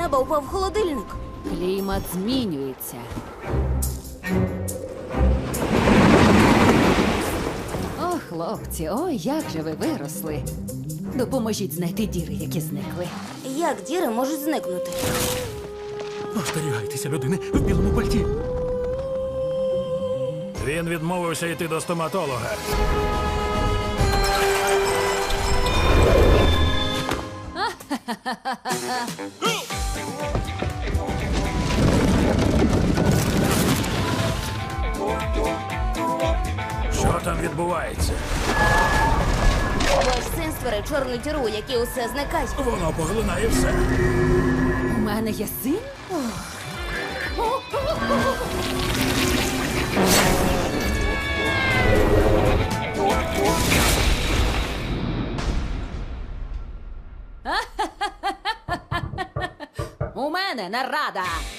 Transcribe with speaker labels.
Speaker 1: неба упав холодильник.
Speaker 2: Клімат змінюється. О, хлопці, ой, як же ви виросли. Допоможіть знайти діри, які зникли.
Speaker 1: Як діри можуть зникнути?
Speaker 3: Остерігайтеся людини в білому пальті.
Speaker 4: Він відмовився йти до стоматолога. Що там відбувається?
Speaker 1: Ваш син створив чорну діру, у якій усе зникає.
Speaker 4: Воно поглинає все.
Speaker 2: У мене є син? У мене нарада!